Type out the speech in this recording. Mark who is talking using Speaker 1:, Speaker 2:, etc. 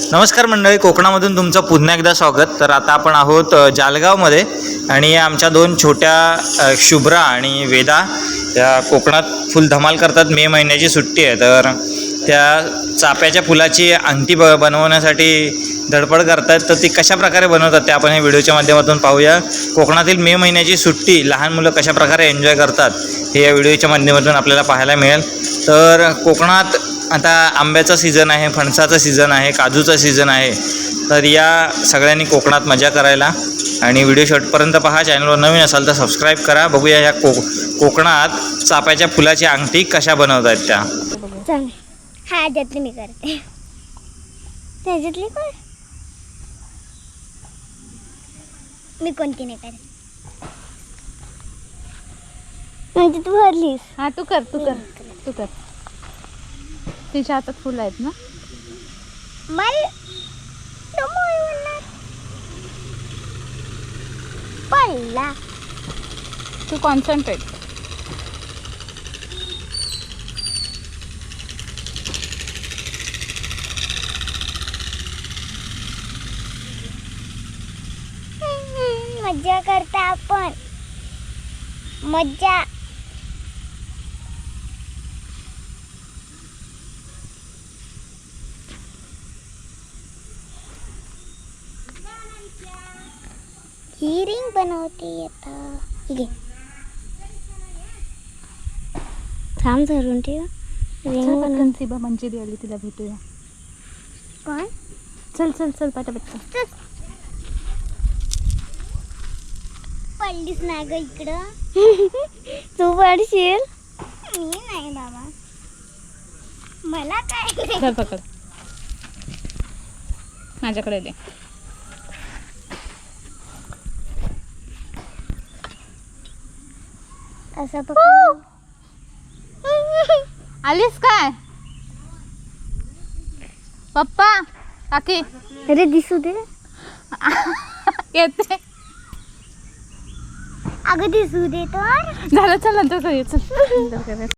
Speaker 1: नमस्कार मंडळी, कोकणामधून तुमचं पुन्हा एकदा स्वागत. तर आता आपण आहोत जालगावमध्ये आणि आमच्या दोन छोट्या शुभ्रा आणि वेदा त्या कोकणात फुल धमाल करतात. मे महिन्याची सुट्टी आहे तर त्या चाफ्याच्या फुलाची अंगठी बनवण्यासाठी धडपड करतात. तर ती कशा प्रकारे बनवतात ते आपण या व्हिडिओच्या माध्यमातून पाहूया. कोकणातील मे महिन्याची सुट्टी लहान मुलं कशा प्रकारे एन्जॉय करतात हे या व्हिडिओच्या माध्यमातून आपल्याला पाहायला मिळेल. तर कोकणात आता आंब्याचा सीझन आहे, फणसाचा सीझन आहे, काजूचा सीझन आहे. तर या सगळ्यांनी कोकणात मजा करायला आणि व्हिडिओ शेवटपर्यंत पहा. चॅनलवर नवीन असाल तर सबस्क्राईब करा. बघूया ह्या कोकणात चाफ्याच्या फुलाची अंगठी कशा बनवतात त्या.
Speaker 2: हा ह्याच्यातली मी करते. त्याच्यातली कोण मी कोणती नाही करत. म्हणजे तू भरलीस.
Speaker 3: हा तू कर. तिच्या हातात फुलं आहेत ना.
Speaker 2: मला पडला.
Speaker 3: तू कॉन्सन्ट्रेट.
Speaker 2: मज्जा करता आपण. मज्जा. ही रिंग बनवते आता. ठीक आहे, थांब धरून ठेव. रिंग बनवून
Speaker 3: सिबा मंजिरी आली, तिला भेटूया.
Speaker 2: कोण?
Speaker 3: चल पटापट.
Speaker 2: पडलीस ना ग इकडं. तू पडशील. मी नाही बाबा, मला काय.
Speaker 3: धर पकड, माझ्याकडे दे.
Speaker 2: असं पकड.
Speaker 3: आलीस काय पप्पा काकी?
Speaker 2: अरे दिसू दे.
Speaker 3: येते.
Speaker 2: अगं दिसू दे तर.
Speaker 3: झालं, चल नंतर करूया. चल